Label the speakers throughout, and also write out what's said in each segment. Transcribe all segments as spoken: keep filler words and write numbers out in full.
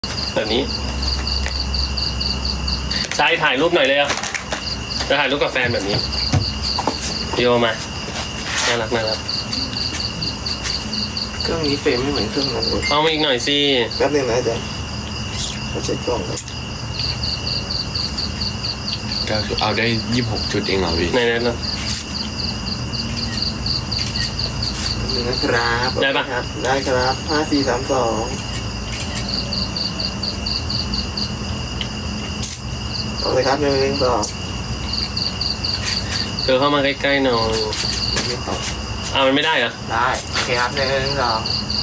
Speaker 1: แบบนี้ชายถ่ายรูปหน่อยเลยอ่ะจะถ่ายรูปกับแฟนแบบนี้โยมาน่ารักน่ารัก
Speaker 2: เครื่องนี้เฟรมไม่เหมือนเครื่องนั้นเลย
Speaker 1: เอามาอีกหน่อยสิ
Speaker 2: แป๊บนึงนะอาจารย์มาเช็คกล้องครับ
Speaker 3: ก็เอาได้ยี่สิบหกจุดเองเหรอพี่
Speaker 1: ไหนๆนะ
Speaker 2: นี่นะครับ
Speaker 1: ได้ปะ
Speaker 2: ครับได้ครับห้าสี่สามสองเอาเลยครับหนึ่งสอง
Speaker 1: เธอเข้ามาใกล้ๆหน่อย
Speaker 2: ไม่ต่อ
Speaker 1: อ้าวมันไม่ได้เหรอ
Speaker 2: ได้โอเคครับหนึ่งสอง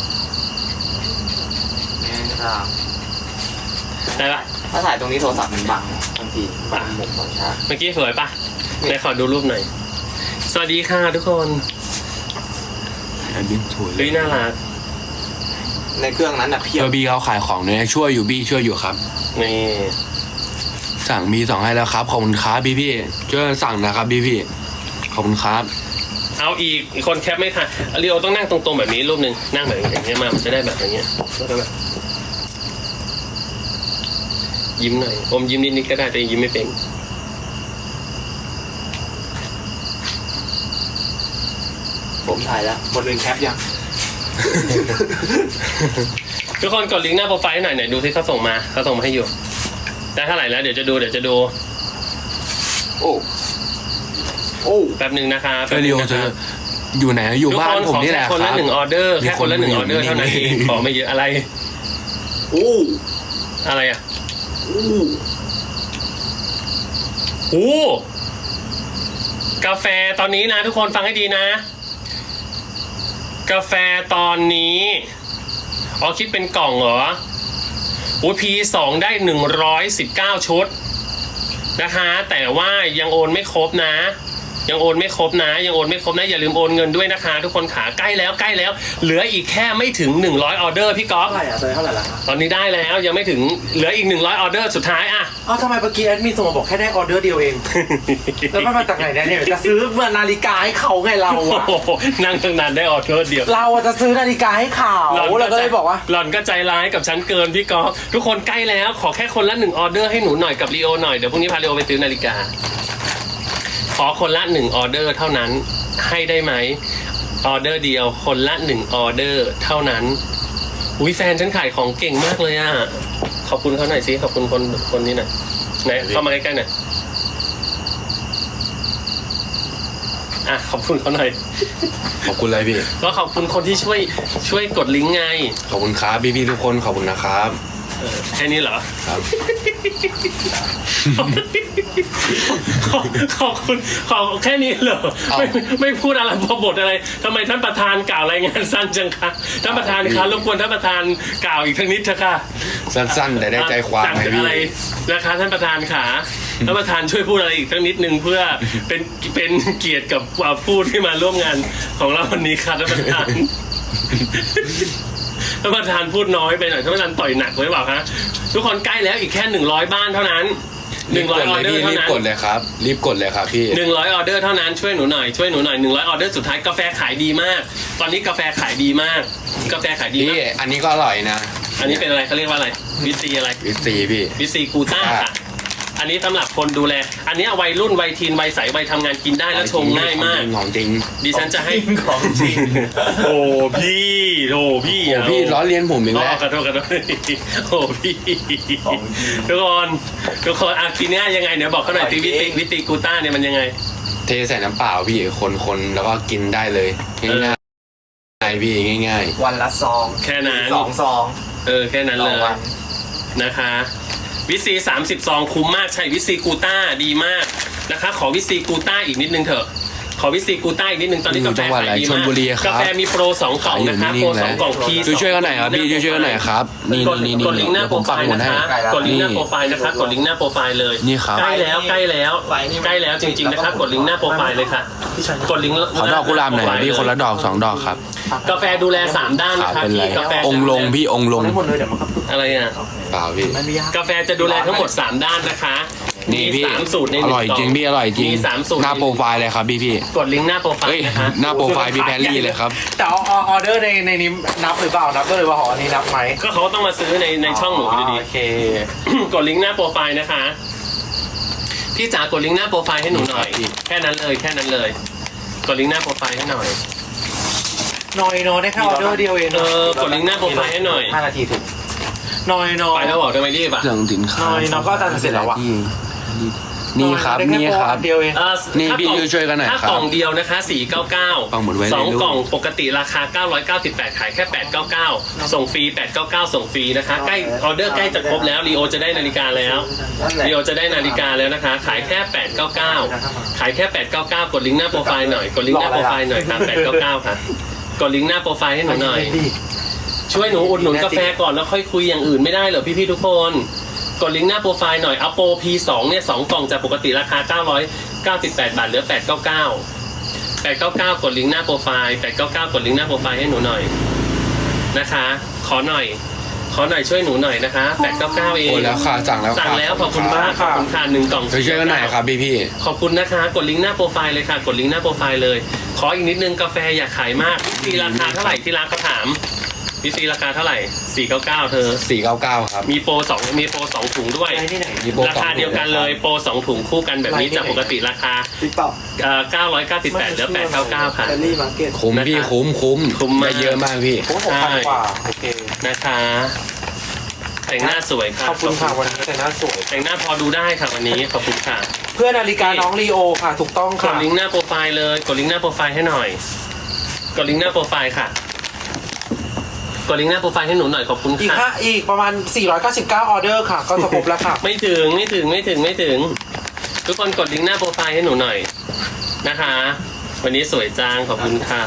Speaker 2: หนึ่งสอง
Speaker 1: ได้ปะ
Speaker 2: ถ้าถ่ายตรงนี้โทรศัพท์มันบังบางทีบังมุมบังชา
Speaker 1: เมื่อกี้สวยปะไหนขอดูรูปหน่อยสวัสดีค่ะทุกคน
Speaker 3: อันนี้สวยเล
Speaker 1: เฮ้ย
Speaker 3: ย
Speaker 1: น่ารัก
Speaker 2: ในเครื่องนั้นนะเพีย
Speaker 3: เอบ อบีเขาขายของเนี่ยช่วยอยู่บี้ช่วยอยู่ครับ
Speaker 1: นี่
Speaker 3: สั่งบีสองให้แล้วครับขอบคุณครับพี่พี่ช่วยสั่งนะครับพี่พี่ขอบคุณครับ
Speaker 1: เอาอีกอีกคนแคปไม่ทันเรียวต้องนั่งตรงๆแบบนี้รูปหนึ่งนั่งแบบอย่างเงี้ยมามันจะได้แบบอย่างเงี้ยแล้วก็แบบยิ้มหน่อยอมยิ้มนิดๆก็ได้แต่ยิ้มไม่เป็น
Speaker 2: ผมถ่ายแล้วหมดเลยแคปยัง
Speaker 1: ทุกคนกดลิงก์หน้าโปรไฟล์หน่อยหน่อยดูที่เขาส่งมาเขาส่งมาให้อยู่ได้เท่าไหร่แล้วเดี๋ยวจะดูเดี๋ยวจะดู
Speaker 2: โอ้โอ้
Speaker 1: แป๊บหนึ่งนะครับ
Speaker 3: เออเรียวเธออยู่ไหนอยู่บ้านผมนี่แหละครับ
Speaker 1: คนละหนึ่งออเดอร์แค่คนละหนึ่งออเดอร์เท่านั้นเองขอไม่เยอะอะไร
Speaker 2: โอ้
Speaker 1: อะไรอ่ะ
Speaker 2: โอ้
Speaker 1: โอ้กาแฟตอนนี้นะทุกคนฟังให้ดีนะกาแฟตอนนี้อ๋อคิดเป็นกล่องเหรอโอ้พีสองได้หนึ่งร้อยสิบเก้าชุดนะคะแต่ว่ายังโอนไม่ครบนะยังโอนไม่ครบนะยังโอนไม่ครบนะอย่าลืมโอนเงินด้วยนะคะทุกคนขาใกล้แล้วใกล้แล้วเหลืออีกแค่ไม่ถึงหนึ่งร้อยออเดอร์พี่ก๊อฟ
Speaker 2: เท่าไหร่อ่ะตอนนี้เท่าไหร่ละ
Speaker 1: ตอนนี้ได้แล้วยังไม่ถึงเหลืออีกหนึ่งร้อยออเดอร์สุดท้ายอ่ะ
Speaker 2: อ้าวทำไมเมื่อกี้แอดมินส่งมาบอกแค่ได้ออเดอร์เดียวเอง แล้วมันมาจากไหนเนี่ยจะซื้อนาฬิกาให้เขาไงเราอะ
Speaker 1: นั่งตั้งนานได้ออเดอร์เดียว
Speaker 2: เราจะซื้อนาฬิกาให้เขาเราก็เลยบอกว่า
Speaker 1: หล่อนก็ใจร้ายกับฉันเกินพี่ก๊อฟทุกคนใกล้แล้วขอแค่คนละหนึ่งออเดอร์ให้หนูหน่อยกับลีโอหน่อยเดี๋ยวพรุ่งนี้พาลีโอไปซื้อนาฬิกาขอคนละหนึ่งออเดอร์เท่านั้นให้ได้ไหมออเดอร์เดียวคนละหนึ่งออเดอร์เท่านั้นอุ้ยแฟนฉันขายของเก่งมากเลยอ่ะขอบคุณเขาหน่อยสิขอบคุณคนคนนี้หน่อยไหนเข้ามาใกล้ๆหน่อยอ่ะขอบคุณเขาหน่อย
Speaker 3: ขอบคุณอะไรพี่
Speaker 1: ก็ขอบคุณคนที่ช่วยช่วยกดลิงก์ไง
Speaker 3: ขอบคุณครับพี่พี่ทุกคนขอบคุณนะครับ
Speaker 1: แค่นี้เหรอ
Speaker 3: ครับ
Speaker 1: ขอบขอบคุณขอบแค่นี้เหรอไม่ไม่พูดอะไรพอบทอะไรทำไมท่านประธานกล่าวรายงานสั้นจังคะท่านประธานคะรบกวนท่านประธานกล่าวอีกทั้งนิดเถอะค่ะ
Speaker 3: สั้นๆแต่ได้ใจความ
Speaker 1: ไงพี่อะไรนะคะท่านประธานขาท่านประธานช่วยพูดอะไรอีกทั้งนิดนึงเพื่อเป็นเป็นเกียรติกับผู้ที่มาร่วมงานของเราวันนี้ค่ะท่านประธานท่านประธานพูดน้อยไปหน่อยท่านประธานต่อยหนักไว้เปล่าคะทุกคนใกล้แล้วอีกแค่หนึ่งร้อยบ้านเท่านั้นหนึ่งร้อยออเดอร์เท่านั้น
Speaker 3: รีบกดเลยครับรีบกดเลยครับพี่
Speaker 1: หนึ่งร้อยออเดอร์เท่านั้นช่วยหนูหน่อยช่วยหนูหน่อยหนึ่งร้อยออเดอร์สุดท้ายกาแฟขายดีมากตอนนี้กาแฟขายดีมากกาแฟขายดีมาก
Speaker 3: อันนี้ก็อร่อยนะ
Speaker 1: อันนี้เป็นอะไรเขาเรียกว่าอะไรวิซีอะไร
Speaker 3: วิซีพี่
Speaker 1: วิซีกูต้าค่ะอันนี้สำหรับคนดูแลอันนี้วัยรุ่นวัยทีนวัยใสวัยทำงานกินได้แล้วชงง่ายมาก
Speaker 3: ของจริง
Speaker 1: ดิฉันจะให้
Speaker 2: ของจริง
Speaker 1: โอ้พี่โอ้พี่
Speaker 3: โอ้พี่ล้อเลียนผมอีกแล้ว
Speaker 1: ขอโทษขอโทษโอ้พี่ทุกคนทุกคนอากินเนี่ยยังไงเนี่ยบอกเขาหน่อยวิตีวิตีกูต้าเนี่ยมันยังไง
Speaker 3: เทใส่น้ำเปล่าพี่คนๆแล้วก็กินได้เลยง่ายๆพี่ง่าย
Speaker 2: ๆวันละซอง
Speaker 1: แค่นั้น
Speaker 2: สองซอง
Speaker 1: เออแค่นั้นเลยนะคะวิซีสามสิบซองคุ้มมากใช่วิซีกูต้าดีมากนะคะขอวิซีกูต้าอีกนิดนึงเถอะขอวิซีกูต้าอีกนิดนึงตอนนี้กาแฟขายดีมากกาแฟมีโปรสองกล่องนะคะโปรสองกล่องพี
Speaker 3: ช่วยช่วยกันหน่อยครับพี่ช่วยช่วยกันหน่อยครับนี่นี่นี่
Speaker 1: กดลิงก์หน้าโปรไฟล์นะคะกดลิงก์หน้าโปรไฟล์นะคะกดลิงก์หน้าโปรไฟล์เลย
Speaker 3: นี่ครับ
Speaker 1: ใกล้แล้วใกล้แล้วใกล้แล้วจริงๆนะครับกดลิงก์หน้าโปรไฟล์เลยค่ะกดลิงก์
Speaker 3: ขอดอกกุหลาบหน่อยพี่คนละดอกสองดอกครับ
Speaker 1: กาแฟดูแลสามด้านนะคะพี่กาแฟ
Speaker 3: องลงพี่องลง
Speaker 1: อะไรอ่ะ
Speaker 3: เปล่าพี่
Speaker 1: กาแฟจะดูแลทั้งหมดสามด้านนะคะ
Speaker 3: นี่พี่
Speaker 1: มีสามสูตรในห
Speaker 3: อ
Speaker 1: นึ่ง
Speaker 3: ร่อยจริง
Speaker 1: กล่อง
Speaker 3: พี่อร่อยจริง
Speaker 1: มีสามสูตร
Speaker 3: หน้าโปรไฟล์เลยครับพี่พี่
Speaker 1: กดลิงก์หน้าโปรไฟ
Speaker 3: เฮ้ย
Speaker 1: ล์นะคะ
Speaker 3: หน้าโปรไฟล์พี่แพรรี่เลยครับ
Speaker 2: แต่ออออเดอร์ในในนี้นับหรือเปล่านับด้วยหรือว่าหออันนี้นับไหม
Speaker 1: ก็เขาต้องมาซื้อในในช่องหนูอยู่ดี
Speaker 2: โอเค
Speaker 1: กดลิงก์หน้าโปรไฟล์นะคะ พี่จ๋ากดลิงก์หน้าโปรไฟล์ให้หนูหน่อย แค่นั้นเลยแค่นั้นเลย กดลิงก์หน้าโปรไฟล์ให้หน่อย
Speaker 2: น้อยน้อยได้แค่ออเดอร์เดียวเอง
Speaker 1: เออกดลิงก์หน้าโปรไฟล์ให้หน่อย
Speaker 2: ห้านาทีถึงน้อยน้อย
Speaker 1: ไปแล้วบอกทำไมรีบอ่ะ
Speaker 3: เครื่องสินค้า
Speaker 2: น้อยน้อยก็จะเสร็จแล้วอะ
Speaker 3: ที่นี่ครับ
Speaker 2: ได้แ
Speaker 3: นี่ครับ
Speaker 2: โปอัเดียวเอง
Speaker 1: เอ่อ
Speaker 3: นี่
Speaker 1: ถ้า
Speaker 3: พี่
Speaker 1: กล่อง
Speaker 3: ช่วยกันหน่อย
Speaker 1: ถ้า
Speaker 3: ครับ
Speaker 1: กล่องเดียวนะคะสี่ร้อยเก้าสิบเก้า
Speaker 3: ปังหมดไว้ใน
Speaker 1: สอง
Speaker 3: รูป
Speaker 1: กล่องปกติราคาเก้าร้อยเก้าสิบแปดขายแค่แปดร้อยเก้าสิบเก้าส่งฟรีแปดร้อยเก้าสิบเก้าส่งฟรีนะคะใกล้ออเดอร์ใกล้จะครบแล้วลีโอจะได้นาฬิกาแล้วลีโอจะได้นาฬิกาแล้วนะคะ ขายแค่แปดร้อยเก้าสิบเก้าขายแค่แปดร้อยเก้าสิบเก้ากดลิงก์หน้าโปรไฟล์หน่อยกดลิงก์หน้าโปรไฟล์หน่อยค่ะแปดร้อยเก้าสิบเก้าค่ะกดลิงก์หน้าโปรไฟล์ให้หนูหน่อย ช่วยหนูอุดหนุนกาแฟก่อนแล้วค่อยคุยอย่างอื่นไม่ได้เหรอพี่ๆทุกคนกดลิงก์หน้าโปรไฟล์หน่อยเอาโปร พี สอง เนี่ยสองกล่องจากปกติราคาเก้าร้อยเก้าสิบแปดบาทเหลือแปดร้อยเก้าสิบเก้า แปดร้อยเก้าสิบเก้ากดลิงก์หน้าโปรไฟล์แปดร้อยเก้าสิบเก้ากดลิงก์หน้าโปรไฟล์ให้หนูหน่อยนะคะ ขอหน่อย ขอหน่อยช่วยหนูหน่อยนะคะแปดร้อยเก้าสิบเก้าเอง
Speaker 3: โอ้แล้วค่ะสั่งแล้ว
Speaker 1: สั่งแล้วขอบคุณมากขอบคุณค่ะหนึ่งกล่อง
Speaker 3: ไปช่วยกันหน่อยครับพี่พี่
Speaker 1: ขอบคุณนะคะ กดลิงก์หน้าโปรไฟล์เลยค่ะ กดลิงก์หน้าโปรไฟล์เลย ขออีกนิดนึงกาแฟอยากขายมากพี่ราคาเท่าไหร่ที่ร้านเขาถามพี่ซีราคาเท่าไหร่สี่ร้อยเก้าสิบเก้าเธอ
Speaker 3: สี่เก้าเก้าครับ
Speaker 1: มีโปรสองมีโปรสองถุงด้วย
Speaker 2: ไปที่ไหน
Speaker 3: มีโปร
Speaker 1: ราคาเดียวกันเลยโปรสองถุงคู่กันแบบนี้
Speaker 2: ไปที่ไหน
Speaker 1: จากปกติราคา
Speaker 4: ติ๊กต็อก
Speaker 1: เอ่อเก้าร้อยเก้าสิบแปดเหลือแปดร้อยเก้าสิบเก้าค่ะ
Speaker 4: แคลรี่มาร์เก็ต
Speaker 3: คุ้มพี่
Speaker 1: นะคะ
Speaker 3: คุ้มคุ้ม
Speaker 1: คุ้มมาก
Speaker 3: ได้เยอะมากพี่
Speaker 2: ผมหกพันกว่าโอเค
Speaker 1: นะคะแต่งหน้าสวยค่ะ
Speaker 2: ขอบคุณค่ะวันนี้แต่หน้าสวย
Speaker 1: แต่งหน้าพอดูได้ค่ะวันนี้ขอบคุณค่ะ
Speaker 2: เพื่อนาฬิกาน้องลีโอค่ะ ถูกต้อง
Speaker 1: ก
Speaker 2: ค่ะ
Speaker 1: ดลิงก์หน้าโปรไฟล์เลยกดลิงก์หน้าโปรไฟล์ให้หน่อยกดลิงก์หน้าโปรไฟล์ค่ะกดลิงก์หน้าโปรไฟล์ให้หนูหน่อยขอบคุณ
Speaker 2: อีก
Speaker 1: ค่ะ
Speaker 2: ห้าอีกประมาณสี่ร้อยเก้าสิบเก้าออเดอร์ค่ะ ก็จะครบแล้วค่ะ
Speaker 1: ไม่ถึงไม่ถึงไม่ถึงไม่ถึง ทุกคนกดลิงก์หน้าโปรไฟล์ให้หนูหน่อยนะคะ วันนี้สวยจังขอบคุณค่ะ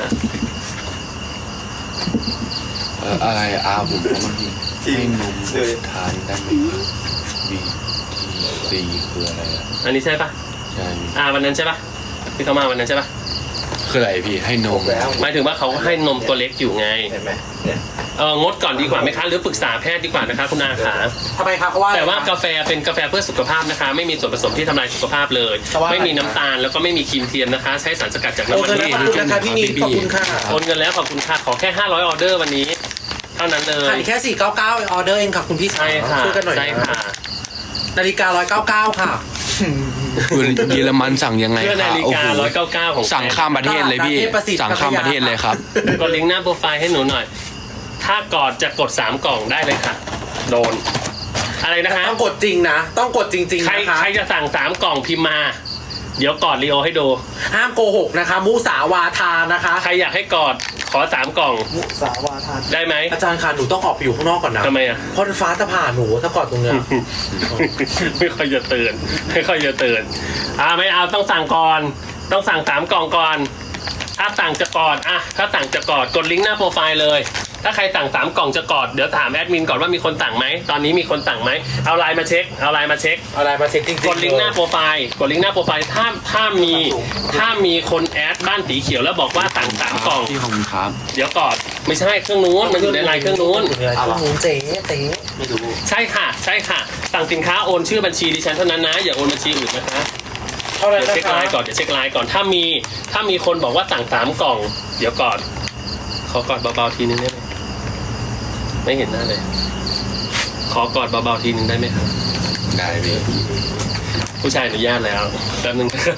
Speaker 3: เอ่ออะไรอาผมบอกเมื่อกี้
Speaker 4: จริง
Speaker 3: ให้นม
Speaker 4: เลย
Speaker 3: ทานได้ไหมบีทีซีคืออะไรอ่ะ
Speaker 1: อันนี้ใช่ปะ
Speaker 3: ใช่
Speaker 1: อ่าวันนั้นใช่ปะที่เขามาวันนั้นใช่ปะ
Speaker 3: คืออะไรพี่ให้นม
Speaker 4: แล้ว
Speaker 1: หมายถึงว่าเขาให้นมตัวเล็กอยู่ไง
Speaker 4: เห็นไหมเนี่ย
Speaker 1: เอองดก่อนดีกว่าไหมคะหรือปรึกษาแพทย์ดีกว่านะคะคุณอาขา
Speaker 2: ทำไมคะเพราะว่า
Speaker 1: แต่ว่ากาแฟเป็นกาแฟเพื่อสุขภาพนะคะ ไม่มีส่วนผสมที่ทำลายสุขภาพเลย
Speaker 2: แต่ว่า
Speaker 1: ไม่มีน้ำตาลแล้วก็ไม่มีครีมเทียมนะคะ ใช้สารสกัดจาก
Speaker 2: โอ
Speaker 1: น้ำมัน
Speaker 2: เค
Speaker 1: พื
Speaker 2: นะ
Speaker 1: ช
Speaker 2: ขอบคุณนะคะพี่นิดขอบคุณค่ะ
Speaker 1: โอนเงินแล้วขอบคุณค่ะขอแค่ห้าร้อยออเดอร์วันนี้ เท่านั้นเล
Speaker 2: ขาย ยแค่สี่เก้าเก้าออเดอร์เองค่ะคุณพี่
Speaker 1: ใช่ค่ะ
Speaker 2: ช่วยกันหน่อย
Speaker 1: ใช่
Speaker 2: นะ
Speaker 1: ค่ะ
Speaker 2: นาฬิการ้อยเก้าเก้าค่ะ
Speaker 3: เยอรมันสั่งยังไง
Speaker 1: เพื่อ
Speaker 3: ค
Speaker 1: นา
Speaker 3: รับ
Speaker 1: ฬิ
Speaker 3: โอ้
Speaker 1: กา
Speaker 3: โห
Speaker 1: ร้อยเก้าเก้าของ
Speaker 3: สั่งข้ามประเทศเลยพี่
Speaker 2: ประเทศประสิทธิ์
Speaker 3: สั่งข้ามประเทศเลยครับ
Speaker 1: กดลิงก์หน้าโปรไฟล์ให้หนูหน่อย ถ้ากอดจะกดสามกล่องได้เลยค่ะ โดน อะไรนะคะ
Speaker 2: ต้องกดจริงนะ ต้องกดจริง
Speaker 1: ใคร
Speaker 2: ๆนะคะ
Speaker 1: ใครจะสั่งสามกล่องพิมพ์มา เดี๋ยวกอดลีโอให้ดู
Speaker 2: ห้ามโกหกนะคะ มุสาวาทานะคะ
Speaker 1: ใครอยากให้กอดขอสามกล่อง
Speaker 4: มุสาวาทาน
Speaker 1: ได้ไหม
Speaker 2: อาจารย์ค่ะหนูต้องออกไปอยู่ข้างนอกก่อนนะ
Speaker 1: ทำไมอ่ะ
Speaker 2: เพราะฟ้าจะผ่าหนูถ้ากอดตรงเนี้ย
Speaker 1: ไม่ค่อยจะเตือนไม่ค่อยจะเตือนอ่าไม่เอาต้องสั่งก่อน ต้องสั่งสามกล่องก่อน ถ้าสั่งจะกอดอ่ะถ้าสั่งจะกอดกดลิงก์หน้าโปรไฟล์เลย ถ้าใครสั่งสามกล่องจะกอดเดี๋ยวถามแอดมินก่อนว่ามีคนสั่งไหมตอนนี้มีคนสั่งไหมเอาไลน์มาเช็คเอาไลน์มาเช็ค
Speaker 2: เอาอะไรมาเช็คจริงๆ
Speaker 1: กดลิงก์หน้าโปรไฟล์กดลิงก์หน้าโปรไฟล์ถ้าถ้ามีถ้ามีคนแอดบ้านสีเขียวแล้วบอกว่าสั่งสามกล่อง
Speaker 3: พี่ขอบคุณครับ
Speaker 1: เดี๋ยวกอดไม่ใช่เครื่องนู้นมันอยู่ในไลน์เครื่องนู้น
Speaker 2: อยู่ในเครื่องนู้นเจ๊เจ๊
Speaker 4: ไม่รู้
Speaker 1: ใช่ค่ะ ใช่ค่ะ สั่งสินค้าโอนชื่อบัญชีดิฉันเท่านั้นนะ อย่าโอนบัญชีอื่นนะคะ
Speaker 2: เท่าไหร่
Speaker 1: เดี๋ยว
Speaker 2: นะ
Speaker 1: เช็ค
Speaker 2: คะ
Speaker 1: ไลน์ก่อนเดี๋ยวเช็คไลน์ก่อนถ้ามีถ้ามีคนบอกว่าสั่งสามกล่อง เดี๋ยวก่อนขอกอดเบาๆทีนึงได้ไหมไม่เห็นหน้าเลย ขอกอดเบาๆทีนึงได้ไหมครับ
Speaker 3: ได้พี่
Speaker 1: ผู้ชายอนุญาตแล้วแป๊บนึงนะครับ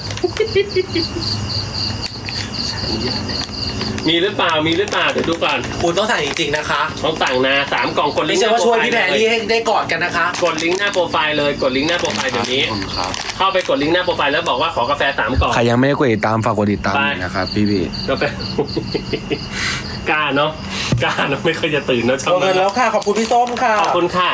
Speaker 1: อนุญาตแล้วมีหรือเปล่ามีหรือเปล่าเดี๋ยวดูก่อน
Speaker 2: คุณต้องสั่งจริงๆนะคะ
Speaker 1: ต้องสั่งนะสามกล่องกดลิ
Speaker 2: ไม่
Speaker 1: งก์ห
Speaker 2: ใช่
Speaker 1: น้า
Speaker 2: ว่า
Speaker 1: โปร
Speaker 2: ช่วย
Speaker 1: ไฟล์
Speaker 2: พี่แพรรี่ให้ได้กอดกันนะคะ
Speaker 1: กดลิงก์หน้าโปรไฟล์เลยกดลิงก์หน้าโปรไฟล์เดี๋ยวนี้
Speaker 3: ขอบคุณครับ
Speaker 1: เข้าไปกดลิงก์หน้าโปรไฟล์แล้วบอกว่าขอกาแฟสามกล่อง
Speaker 3: ใครยังไม่ได้กดติดตามฝากกดติดตาม
Speaker 1: ไป
Speaker 3: หน่อยนะครับพี่พี่
Speaker 1: กาแฟ กล้าเนาะกล้าเนาะไม่เคยจะตื่นเนาะช่อง
Speaker 2: เอาเงินแล้วค่ะ ขอบคุณพี่ส้มค่ะ
Speaker 1: ขอบคุณค่ะ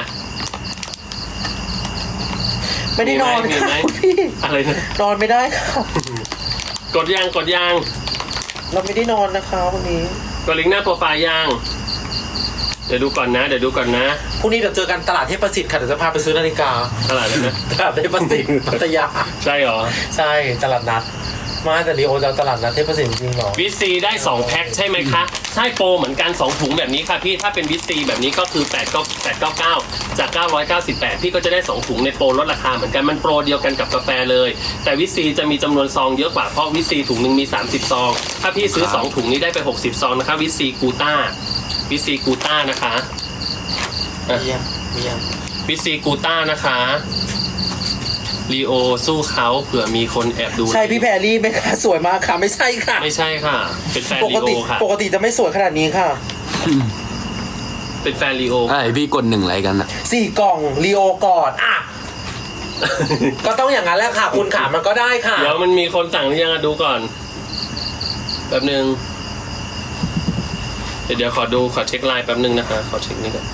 Speaker 2: ไม่ได้นอน
Speaker 1: มี
Speaker 2: ค่ะ
Speaker 1: ไหม
Speaker 2: คุณพี่
Speaker 1: อะไรนะ
Speaker 2: นอนไม่ได้ค่ะ
Speaker 1: กดยางกดยาง
Speaker 2: เราไม่ได้นอนนะคะวันนี้
Speaker 1: กดลิงก์หน้าโปรไฟล์ยางเดี๋ยวดูก่อนนะเดี๋ยวดูก่อนนะ
Speaker 2: พรุ่งนี้เดี๋ยวเจอกันตลาดเทพประสิทธิ์ค่ะเดี๋ยวจะพาไปซื้อนาฬิกา
Speaker 1: ตลาดอะไรนะ
Speaker 2: ตลาดเทพประสิทธิ์พัทยา
Speaker 1: ใช่เหรอ
Speaker 2: ใช่ตลาดนัดมาแต่ดีโอจะเอาตลาดนัดเทพประสิทธิ์จริงเหรอ
Speaker 1: วิตซีได้สองแพ็คใช่ไหมคะใช่โปรเหมือนกันสองถุงแบบนี้ค่ะพี่ถ้าเป็นวิตซีแบบนี้ก็คือแปดเก้าแปดเก้าเก้าจากเก้าร้อยเก้าสิบแปดพี่ก็จะได้สองถุงในโปรลดราคาเหมือนกันมันโปรเดียวกันกับกาแฟเลยแต่วิตซีจะมีจำนวนซองเยอะกว่าเพราะวิตซีถุงหนึ่งมีสามสิบซองถ้าพี่ซื้อสองถุงนี้ได้ไปหกสิบซองนะคะวิตซีกูต้าวิตซีกูต้านะคะอ่ะ
Speaker 2: เยี่ยมเยี่ยม
Speaker 1: วิตซีกูต้านะคะลีโอสู้เขาเผื่อมีคนแอบดู
Speaker 2: ใช่พี่แพรรี่ไหมคะสวยมากค่ะไม่ใช่ค่ะ
Speaker 1: ไม่ใช่ค่ะ เป็นแฟน
Speaker 2: ป
Speaker 1: ลี
Speaker 2: ก
Speaker 1: โอ
Speaker 2: ติ
Speaker 1: ค่ะ
Speaker 2: ปกติจะไม่สวยขนาดนี้ค่ะ
Speaker 1: เป็นแฟนลีโอ
Speaker 3: ไอ้พี่กดหนึ่งอะไรกันอะ
Speaker 2: สี่กล่องลีโอกอดอ่ะ ก็ต้องอย่างนั้นแหละค่ะ คุณขามันก็ได้ค่ะ
Speaker 1: เดี๋ยวมันมีคนสั่งหรือยังอะดูก่อนแป๊บนึงเดี๋ยวเดี๋ยวขอดูขอเช็คไลน์แป๊บนึงนะคะขอเช็คนี่ก่อน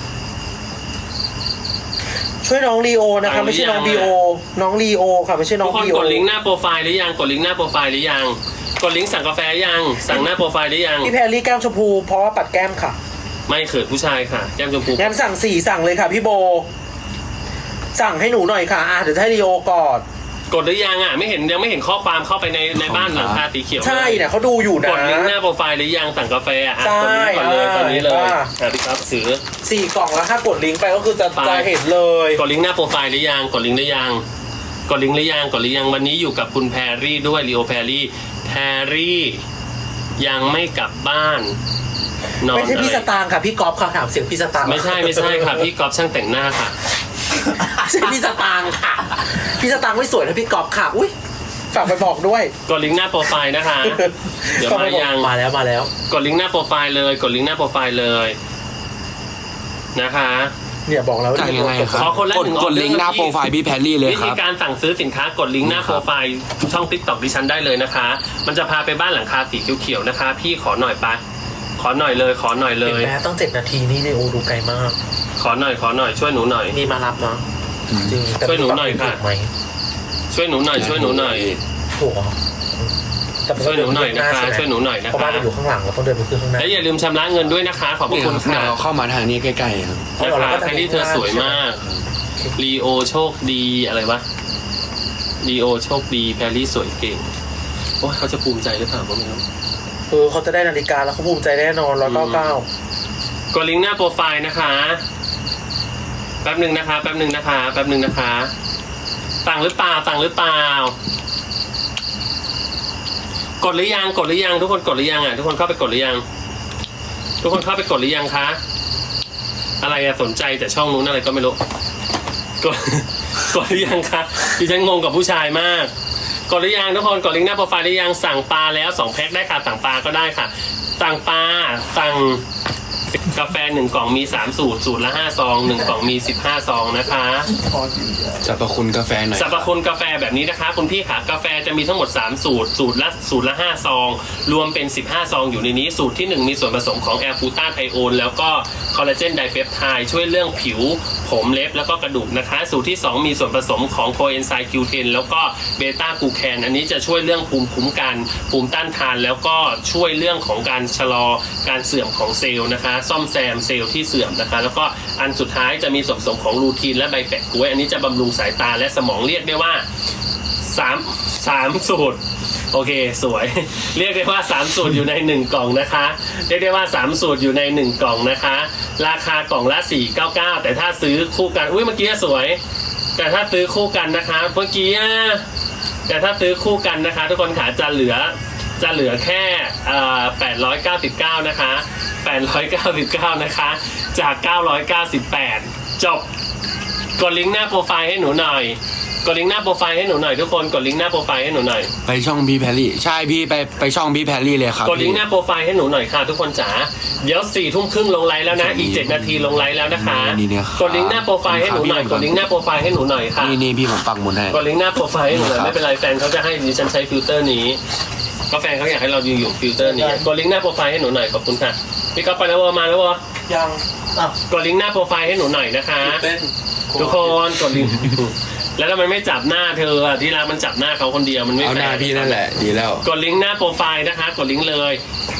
Speaker 2: ช่วยน้องลีโอนะ
Speaker 1: สั่
Speaker 2: คะ
Speaker 1: งหรือ
Speaker 2: ไม่ใช่น้อง
Speaker 1: ยัง
Speaker 2: บีโอน้องลีโอค่ะไม่ใช่น้อ
Speaker 1: ทุ
Speaker 2: ง
Speaker 1: กคน
Speaker 2: บีโอก
Speaker 1: ดลิงก์หน้าโปรไฟล์หรือยังกดลิงก์หน้าโปรไฟล์หรือยังกดลิงก์สั่งกาแฟยังสั่งหน้าโปรไฟล์หรือยัง
Speaker 2: พี่แพรรี่แก้มชมพูเพราะว่าปัดแก้มค่ะ
Speaker 1: ไม่เขินผู้ชายค่ะแก้มชมพู
Speaker 2: งั้นสั่งสี่สั่งเลยค่ะพี่โบ สั่งให้หนูหน่อยค่ะอ่ะเดี๋ยวจะให้ลีโอกอด
Speaker 1: กดหรือยังอ่ะไม่เห็นยังไม่เห็นข้อความเข้าไปในในบ้านหลังคาสีเขียว
Speaker 2: ใช่เนี่ยเขาดูอยู่นะ
Speaker 1: กดลิงก์หน้าโปรไฟล์หรือยังสั่งกาแฟอ่ะอ่ะ
Speaker 2: ใช่
Speaker 1: กดลิงก์ก่อนเลยตอนนี้เลย
Speaker 2: อ่า
Speaker 1: อ่ะพี่ครับซื้อ
Speaker 2: สี่กล่องแล้วถ้ากดลิงก์ไปก็คือจะ
Speaker 1: ไป
Speaker 2: จะเห็นเลย
Speaker 1: กดลิงก์หน้าโปรไฟล์หรือยังกดลิงก์หรือยังกดลิงก์หรือยังกดหรือยังวันนี้อยู่กับคุณแพรรี่ด้วยลีโอแพรรี่แพรรี่ยังไม่กลับบ้านนอน
Speaker 2: ไม่ใช่พี่
Speaker 1: อะไร
Speaker 2: สตางค์ค่ะพี่ก๊อฟค่ะถามเสียงพี่สตางค์
Speaker 1: ไม่ใช่ไม่ใช่ค่ะพี่กอล์ฟช่างแต่งหน้าค่ะ
Speaker 2: ไม่ใช่พี่สตางค์ค่ะ พี่สตางค์ไม่สวยนะพี่ก๊อฟค่ะอุ้ยฝากไปบอกด้วย
Speaker 1: กดลิงก์หน้าโปรไฟล์นะคะ เดี๋ยว
Speaker 2: ฝก
Speaker 1: มา
Speaker 2: ไปบอก
Speaker 1: ยัง
Speaker 2: มาแล้วมาแล้ว
Speaker 1: กดลิงก์หน้าโปรไฟล์เลยกดลิงก์หน้าโปรไฟล์เลยนะคะ
Speaker 2: เนี่ยบอกแล้ว
Speaker 3: จ่ายยังไงครับ
Speaker 1: ขอคนละ
Speaker 3: กด
Speaker 1: หนึ่ง
Speaker 3: กดลิงก์หน้า
Speaker 1: ออเดอร์
Speaker 3: โปรไฟล์พี่แพรรี่เลย
Speaker 1: วิ
Speaker 3: ค
Speaker 1: ธี
Speaker 3: รับ
Speaker 1: การสั่งซื้อสินค้ากดลิงก์หน้า
Speaker 3: ค
Speaker 1: โป
Speaker 3: รั
Speaker 1: ร
Speaker 3: บ
Speaker 1: ไฟล์ช่องติ๊กต็อกดิฉันได้เลยนะคะ มันจะพาไปบ้านหลังคาสีเขียวๆนะคะ พี่ขอหน่อยไปขอหน่อยเลยขอหน่อยเล
Speaker 2: เห็น
Speaker 1: ย
Speaker 2: ไหมต้องเจ็ดนาทีนี่เนี่ยโอ้ดูไกลมาก
Speaker 1: ขอหน่อยขอหน่อยช่วยหนูหน่อย
Speaker 2: นี่มารับเนาะจริงแต่
Speaker 1: ช่วยหนูหน่อยค่ะ
Speaker 2: ถูกไหม
Speaker 1: ช่วยหนูหน่อยช่วยหนูหน่อย
Speaker 2: ถูกเหรอแต่มั
Speaker 1: ช่วยหนูหน่อยนะคะ
Speaker 2: ใช่ไม
Speaker 1: ช่วยหนูหน่อยนะ
Speaker 2: เพราะบ้า
Speaker 1: คะ
Speaker 2: นมันอยู่ข้างหลังเราต้องเดินไปขึ้นข้างหน้า
Speaker 1: และอย่าลืมชำระเงินด้วยนะคะ ขอบพระ
Speaker 3: เนี่ย
Speaker 1: คุณ
Speaker 3: เดี๋
Speaker 1: ค่ะ
Speaker 3: ยวเข้ามาทางนี้ใกล้ๆครับ
Speaker 2: เอา
Speaker 1: นะ
Speaker 2: เหรอ
Speaker 1: คะ
Speaker 2: เราก็
Speaker 1: แพรรี่เธอสวยมากลีโอโชคดีอะไรวะลีโอโชคดีแพรรี่สวยเก่งโอ้ยเขาจะภูมิใจหรือเปล่าก็ไม่รู้
Speaker 2: เออเขาจะได้นาฬิกาแล้วเขาภูมิใจแน่นอนร้อยเก้าเก้าก
Speaker 1: ดลิงก์หน้าโปรไฟล์นะคะแป๊บหนึ่งนะคะแป๊บหนึ่งนะคะแป๊บหนึ่งนะคะสั่งหรือเปล่าสั่งหรือเปล่ากดหรือยังกดหรือยังทุกคนกดหรือยังอ่ะทุกคนเข้าไปกดหรือยังทุกคนเข้าไปกดหรือยังคะอะไรอะสนใจแต่ช่องนู้นอะไรก็ไม่รู้กด กดหรือยังคะดิฉันงงกับผู้ชายมากกดหรือยังทุกคนกดลิงก์หน้าโปรไฟล์หรือยังสั่งปลาแล้วสองแพ็คได้ค่ะสั่งปลาก็ได้ค่ะสั่งปลาสั่งกาแฟหนึ่งกล่องมีสามสูตรสูตรละห้าซองหนึ่งกล่องมีสิบห้าซองนะคะ
Speaker 4: พอดีอ่ะ
Speaker 3: สรรพคุณกาแฟหน่อย
Speaker 1: สรรพคุณกาแฟแบบนี้นะคะคุณพี่ค่ะกาแฟจะมีทั้งหมดสามสูตรสูตรละสูตรละห้าซองรวมเป็นสิบห้าซองอยู่ในนี้สูตรที่หนึ่งมีส่วนผสมของแอลฟูต้าไทโอนแล้วก็คอลลาเจนไดเปปไทด์ช่วยเรื่องผิวผมเล็บแล้วก็กระดูกนะคะ สูตรที่สองมีส่วนผสมของโคเอนไซม์คิวเทนแล้วก็เบต้ากลูแคนอันนี้จะช่วยเรื่องภูมิคุ้มกันภูมิต้านทานแล้วก็ช่วยเรื่องของการชะลอการเสื่อมของเซลล์นะคะซ่อมแซมเซลล์ที่เสื่อมนะคะแล้วก็อันสุดท้ายจะมีส่วนผสมของลูทีนและใบแปะกล้วยอันนี้จะบำรุงสายตาและสมองเรียกได้ว่าสามสามสูตรโอเคสวย เรียกได้ว่าสามสูตรอยู่ในหนึ่งกล่องนะคะเรียกได้ว่าสามสูตรอยู่ในหนึ่งกล่องนะคะราคากล่องละสี่ร้อยเก้าสิบเก้าแต่ถ้าซื้อคู่กันอุ้ยเมื่อกี้สวย แต่ถ้าซื้อคู่กันนะคะเมื่อกี้อะแต่ถ้าซื้อคู่กันนะคะ ทุกคนขาจะเหลือจะเหลือแค่แปดร้อยเก้าสิบเก้านะคะแปดร้อยเก้าสิบเก้านะคะจากเก้าร้อยเก้าสิบแปดจบกดลิงก์หน้าโปรไฟล์ให้หนูหน่อยกดลิงก์หน้าโปรไฟล์ให้หนูหน่อยทุกคนกดลิงก์หน้าโปรไฟล์ให้หนูหน่อย
Speaker 3: ไปช่องพี่แพรรี่ใช่พี่ไปไปช่องพี่แพรรี่เลยครับ
Speaker 1: กดลิง
Speaker 3: พี่
Speaker 1: ก์หน้าโปรไฟล์ให้หนูหน่อยค่ะทุกคนจ๋าเดี๋ยวสี่ทุ่มครึ่งลงไลฟ์แล้วนะอีกเจ็ดนาทีลงไลฟ์แล้วนะคะ
Speaker 3: นี่เนี่ยครับ
Speaker 1: กดลิงก์หน้าโปรไฟล์ให้หนูหน่อยกดลิงก์หน้าโปรไฟล์ให้หนูหน่อยค่ะ
Speaker 3: นี่นี่พี่ผมปักหมุดให้
Speaker 1: กดลิงก์หน้าโปรไฟล์ให้หนูหน่อย
Speaker 3: ครับ
Speaker 1: ไม่เป็นไรแฟนเขาจะให้ดิฉันใช้ฟิลเตอร์นี้ก็แฟนเขาอยากให้เราอยู่อยู่ฟิลเตอร์นี้กดลิงก์หน้าโปรไฟล์ให้หนูหน่อยขอบคุณค่ะพี่ก๊อฟไปแล้ววะมาแล้ววะ
Speaker 2: ยังอ่ะ
Speaker 1: กดลิงก์หน้าโปรไฟล์ให้หนูหน่อยนะคะ
Speaker 2: เต้น
Speaker 1: ทุกคนกดลิงก์ แล้วถ้ามันไม่จับหน้าเธออะที่รักมันจับหน้าเขาคนเดียวมันไม่
Speaker 3: เอา
Speaker 1: แฟ
Speaker 3: หน้า
Speaker 1: ร์
Speaker 3: พี่นั่นแหละดีแล้ว
Speaker 1: กดลิงก์หน้าโปรไฟล์นะคะ กดลิงก์เลย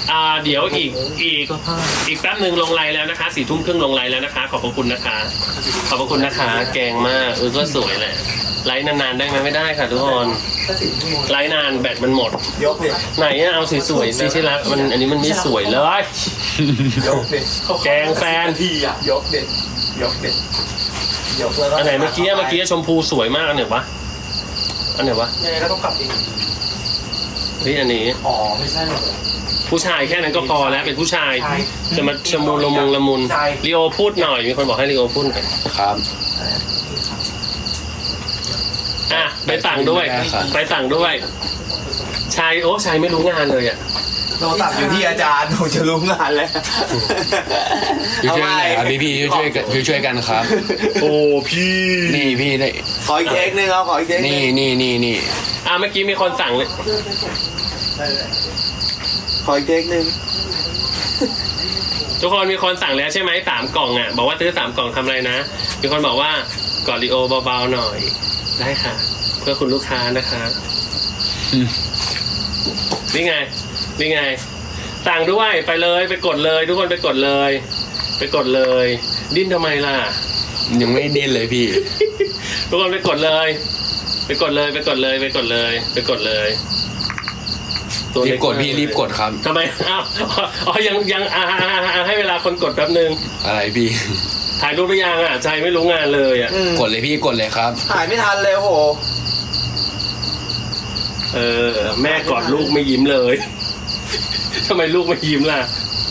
Speaker 1: อ่าเดี๋ยวอีกอีกอีกแป๊บหนึ่งลงไลน์แล้วนะคะสี่ทุ่มครึ่งลงไลน์แล้วนะคะ ขอบพระคุณนะคะ ขอบพระคุณนะคะ แกงมากเออก็สวยแหละไลน์นานๆได้ไหมไม่ได้ค่ะทุกคนไลน์นานแบตมันหมด
Speaker 4: ยกเลย
Speaker 1: ไหนอะเอาสวยๆสิที่รักมันอันนี้มันไม่สวยเลย
Speaker 4: ยกเลย
Speaker 1: แกงแฟน
Speaker 4: ทีอ่ะยกเด็ดยกเด็ดยกแล้วก็
Speaker 1: อันไหนเมื่อกี้เมื่อกี้ชมพูสวยมากอันไหนวะอันไหนวะ
Speaker 4: ยังไงก็ต้องกลับเอง
Speaker 1: เฮ้ยอันนี้
Speaker 4: อ๋อไม่ใช่หรอก
Speaker 1: ผู้ชายแค่นั้นก็พอแล้วเป็นผู้ชาย
Speaker 4: ใช่
Speaker 1: จะมาชะมูละมุงละมุน
Speaker 4: ใช่
Speaker 1: ลีโอพูดหน่อยมีคนบอกให้ลีโอพูดหน่อย
Speaker 3: ครับ
Speaker 1: อ่ะไปสั่งด้วย ไปสั่งด้วยชายโอ้ชายไม่รู้งานเลยอ่ะ
Speaker 4: โทรศัพท์อยู่ที่อาจารย์ผมจะรู้งานแล้ว
Speaker 3: ช่วยๆกันหน่อยครับพี่พี่ๆช่วยๆกันช่วยๆกันครับ
Speaker 1: โอ้พี่
Speaker 3: นี่พี่ได้
Speaker 4: ขออีกเค้กนึงเอาขออีกเค้กนึ
Speaker 3: นี่
Speaker 4: ง
Speaker 3: นี่นี่นี่
Speaker 1: อ่ะเมื่อกี้มีคนสั่งเลย
Speaker 4: ขออีกเค้กนึง
Speaker 1: ทุกคนมีคนสั่งแล้วใช่ไหมสามกล่องอ่ะบอกว่าซื้อสามกล่องทำอะไรนะมีคนบอกว่ากอดลีโอเบาๆหน่อยได้ค่ะ เพื่อคุณลูกค้านะคะนี่ไงนี่ไงสั่งด้วยไปเลยไปกดเลย ทุกคนไปกดเลย ไปกดเลย ดิ้นทำไมล่ะ
Speaker 3: ยังไม่เด่นเลยพี่
Speaker 1: ทุกคนไปกดเลย ไปกดเลยไปกดเลยไปกดเลย ไปกดเลยตัว
Speaker 3: รี
Speaker 1: เล็
Speaker 3: บกดพี่รีบกดครับ
Speaker 1: ทำไมอ้าวอ๋อยังยังอ่าอ่าอ่าให้เวลาคนกดแป๊บนึง
Speaker 3: อะไรพี่
Speaker 1: ถ่ายรูปหรือยังอ่ะใจไม่รู้งานเลยอ่ะ
Speaker 4: อืม
Speaker 3: กดเลยพี่กดเลยครับ
Speaker 4: หายไม่ทันเลยโอ้โห
Speaker 1: เออแม่กอดลูกไม่ยิ้มเลยทำไมลูกไม่ยิ้มล่ะ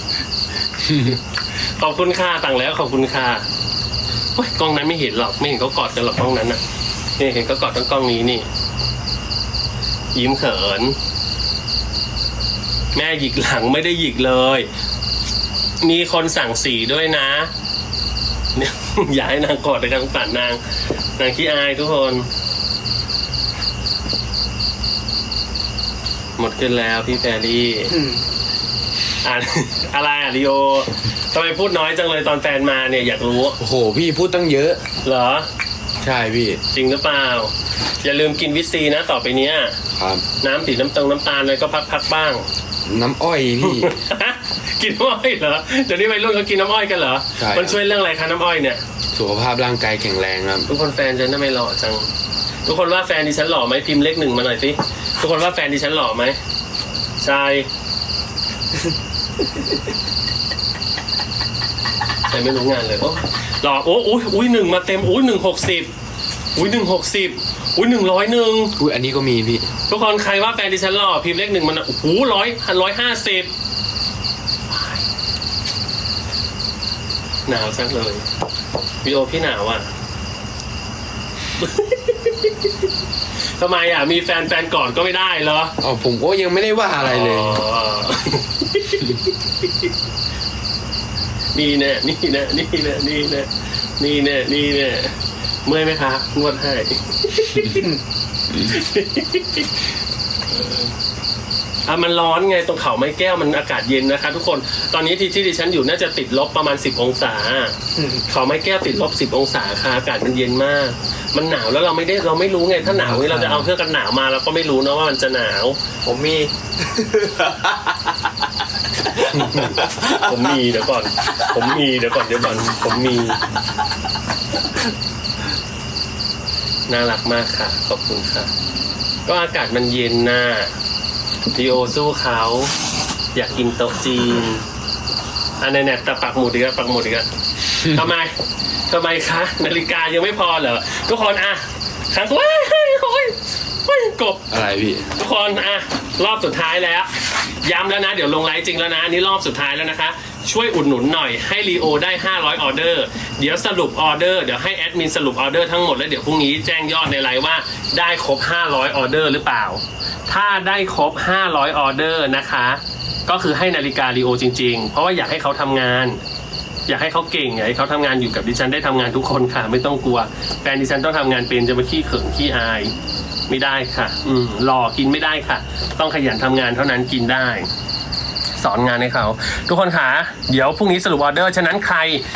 Speaker 1: ขอบคุณค่ะต่างแล้วขอบคุณค่ะโอ๊ยกล้องนั้นไม่เห็นหรอกไม่เห็นเขากอดกันหรอกกล้องนั้นอ่ะนี่เห็นเขากอดทั้งกล้องนี้นี่ ยิ้มเขิน แม่หยิกหลังไม่ได้หยิกเลย มีคนสั่งสีด้วยนะเนี่ย อย่าให้นางกอดเลยครับสงสารนางนางขี้อายทุกคน หมดขึ้นแล้วพี่แฟรี่
Speaker 4: อืม
Speaker 1: อ่าน อะไรอ่ะลีโอทำไมพูดน้อยจังเลยตอนแฟนมาเนี่ยอยากรู้
Speaker 3: โอ้โหพี่พูดตั้งเยอะ
Speaker 1: เหรอ
Speaker 3: ใช่พี่
Speaker 1: จริงหรือเปล่า อย่าลืมกินวิตซีนะต่อไปเนี้ย
Speaker 3: ครับ
Speaker 1: น้ำสีน้ำตรงน้ำตาลอะไรก็พักๆบ้าง
Speaker 3: น้ำอ้อยพี่
Speaker 1: กินน้ำอ้อยเหรอเดี๋ยวนี้วัยรุ่นเขากินน้ำอ้อยกันเหรอ
Speaker 3: ใช่
Speaker 1: มันช่วยเรื่องอะไรคะน้ำอ้อยเนี่ย
Speaker 3: สุขภาพร่างกายแข็งแรงครับ
Speaker 1: ทุกคนแฟนฉันทำไมหล่อจัง ทุกคนว่าแฟนดิฉันหล่อไหมพิมพ์เลขหนึ่งมาหน่อยสิ ทุกคนว่าแฟนดิฉันหล่อไหมใช่ใช่ไม่รู้งานเลยโอ้หล่อโอ้อุ้ยอุ้ยหนึ่งมาเต็มอุ้ยหนึ่งหกสิบอุ้ยหนึ่งหกสิบอุ้ยหนึ่งร้อยหนึ่ง
Speaker 3: อุ้ยอันนี้ก็มีพี่
Speaker 1: ทุกคนใครว่าแฟนดิฉันหล่อพิมพ์เลขหนึ่งมันโอ้โหร้อยร้อยห้าสิบหนาวจังเลยวิโอพี่หนาวอ่ะ ทำไมอ่ะมีแฟนแฟนก่อนก็ไม่ได้เหรอ
Speaker 3: อ๋อผมก็ยังไม่ได้ว่าอะไรเลย
Speaker 1: อ๋อ นี่แน่นี่แน่นี่แน่นี่แน่นี่แน่นี่แน่เมื่อยไหมคะนวดให้ อ่ะมันร้อนไงตรงเขาไม้แก้วมันอากาศเย็นนะคะทุกคนตอนนี้ที่ที่ดิฉันอยู่น่าจะติดลบประมาณสิบองศา
Speaker 4: อืม
Speaker 1: เขาไม้แก้วติดลบสิบองศาค่ะอากาศมันเย็นมาก มันหนาวแล้วเราไม่ได้เราไม่รู้ไงถ้าหนาวนี่เราจะเอาเครื่องกันหนาวมาเราก็ไม่รู้นะว่ามันจะหนาว
Speaker 4: ผมมี
Speaker 1: ผมมีเดี๋ยวก่อน ผมมีเดี๋ยวก่อนเดี๋ยวก่อนผมมี น่ารักมากค่ะขอบคุณค่ะ ก็อากาศมันเย็นน่ะดีโอสู้เขาอยากกินโต๊ะจีนอันไหนๆแต่ปักหมุดอีกแล้วปักหมุดอีกแล้วทำไมทำไมคะนาฬิกายังไม่พอเหรอทุกคนอ่ะครั้งว้ายโอ้ยโอ้ยกบ
Speaker 3: อะไรพี่
Speaker 1: ทุกคนอ่ะรอบสุดท้ายแล้วย้ำแล้วนะเดี๋ยวลงไลฟ์จริงแล้วนะอันนี้รอบสุดท้ายแล้วนะคะช่วยอุดหนุนหน่อยให้ลีโอได้ห้าร้อยออเดอร์เดี๋ยวสรุปออเดอร์เดี๋ยวให้แอดมินสรุปออเดอร์ทั้งหมดแล้วเดี๋ยวพรุ่งนี้แจ้งยอดในไลฟ์ว่าได้ครบห้าร้อยออเดอร์หรือเปล่าถ้าได้ครบห้าร้อยออเดอร์นะคะก็คือให้นาฬิกาลีโอจริงๆเพราะว่าอยากให้เขาทำงานอยากให้เขาเก่งอยากให้เขาทำงานอยู่กับดิฉันได้ทำงานทุกคนค่ะไม่ต้องกลัวแฟนดิฉันต้องทำงานเป็นจะมาขี้เขินขี้อายไม่ได้ค่ะ อืมหล่อกินไม่ได้ค่ะ ต้องขยันทำงานเท่านั้นกินได้ สอนงานให้เขาทุกคนค่ะเดี๋ยวพรุ่งนี้สรุปออเดอร์ฉะนั้นใคร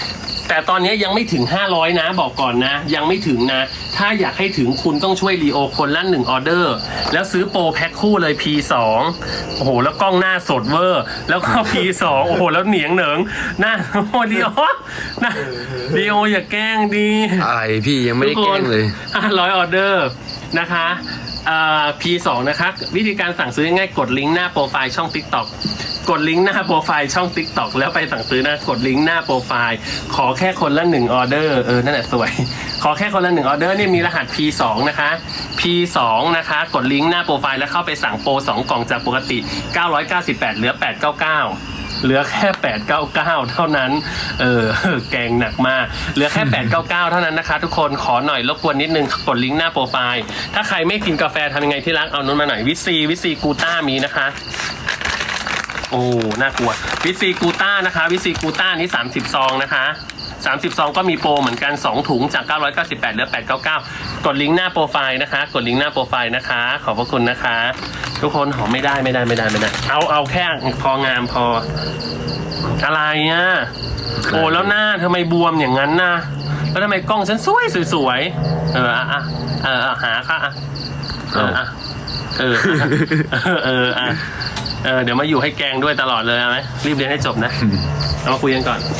Speaker 1: แต่ตอนนี้ยังไม่ถึงห้าร้อยนะบอกก่อนนะยังไม่ถึงนะถ้าอยากให้ถึงคุณต้องช่วยลีโอคนละหนึ่งออเดอร์แล้วซื้อโปรแพ็คคู่เลย พี สอง โอ้โหแล้วกล้องหน้าสดเวอร์แล้วก็ พี สอง โอ้โหแล้วเหนียงเหนิงหน้าโอ้โหลีโอนะลีโออย่าแกล้งดี
Speaker 3: อะไรพี่ยังไม่ได้แกล้งเลย
Speaker 1: ห้าร้อยออเดอร์นะคะอ่า พี สอง นะคะวิธีการสั่งซื้อง่ายๆกดลิงก์หน้าโปรไฟล์ช่อง TikTok กดลิงก์หน้าโปรไฟล์ช่อง TikTok แล้วไปสั่งซื้อนะกดลิงก์หน้าโปรไฟล์ขอแค่คนละหนึ่งออเดอร์เออนั่นแหละสวยขอแค่คนละหนึ่งออเดอร์เนี่ยมีรหัส พี สอง นะคะ พี สอง นะคะกดลิงก์หน้าโปรไฟล์แล้วเข้าไปสั่งโปรสองกล่องจากปกติเก้าร้อยเก้าสิบแปดเหลือแปดร้อยเก้าสิบเก้าเหลือแค่แปดร้อยเก้าสิบเก้าเท่านั้นเออแกงหนักมากเหลือแค่แปดร้อยเก้าสิบเก้าเท่านั้นนะคะทุกคนขอหน่อยรบกวนนิดนึงกดลิงก์หน้าโปรไฟล์ถ้าใครไม่กินกาแฟทำยังไงที่รักเอานู้นมาหน่อยวิซีวิซีกูต้ามีนะคะโอ้น่ากลัววิซีกูต้านะคะวิซีกูต้านี้สามสิบซองนะคะสามสิบซองก็มีโปรเหมือนกันสองถุงจากเก้าร้อยเก้าสิบแปดเหลือแปดร้อยเก้าสิบเก้ากดลิงก์หน้าโปรไฟล์นะคะกดลิงก์หน้าโปรไฟล์นะคะขอบพระคุณนะคะทุกคนหอมไม่ได้ไม่ได้ไม่ได้ไม่ได้เอาเอาแค่พองามพออะไรอ่ะโอ้แล้วหน้าทำไมบวมอย่างนั้นนะแล้วทำไมกล้องฉันสวยสวยๆเอออ่ะอ่ะเออหาค่ะอ่ะเอออ่ะเออเอออ่ะเออเดี๋ยวมาอยู่ให้แกงด้วยตลอดเลยไหมรีบเรียนให้จบนะเอามาคุยกันก่อน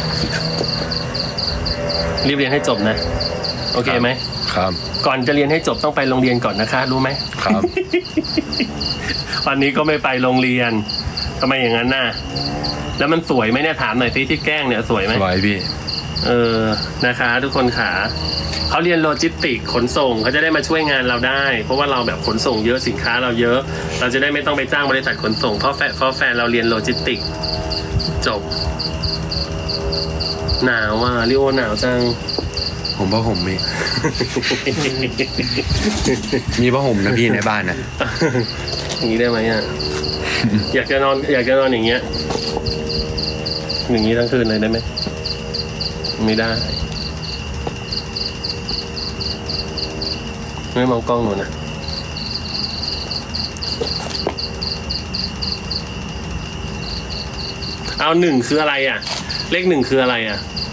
Speaker 1: รีบเรียนให้จบนะโอเคไหม
Speaker 3: ครับ
Speaker 1: ก่อนจะเรียนให้จบต้องไปโรงเรียนก่อนนะคะรู้ไหม
Speaker 3: ครับ
Speaker 1: วันนี้ก็ไม่ไปโรงเรียนทำไมอย่างนั้นน่ะแล้วมันสวยไหมเนี่ยถามหน่อยสิที่แกล้งเนี่ยสวยไหม
Speaker 3: สวยพี่
Speaker 1: เออนะคะ ทุกคนขาเขาเรียนโลจิสติกขนส่งเขาจะได้มาช่วยงานเราได้ เพราะว่าเราแบบขนส่งเยอะสินค้าเราเยอะ เราจะได้ไม่ต้องไปจ้างบริษัทขนส่งเพราะแฟนเพราะแฟนเราเรียนโลจิสติกจบหนาวอ่ะลิโอหนาวจัง
Speaker 3: ผมผ้าห่มมี มีผ้าห่มนะพี่ในบ้านนะ
Speaker 1: อย่างนี้ได้ไหมอ่ะ อยากจะนอนอยากจะนอนอย่างเงี้ยอย่างนี้ทั้งคืนเลยได้ไหมไม่ได้ไม่มองกล้องหนูนะเอาหนึ่งคืออะไรอ่ะเลขหนึ่งคืออะไรอ่ะ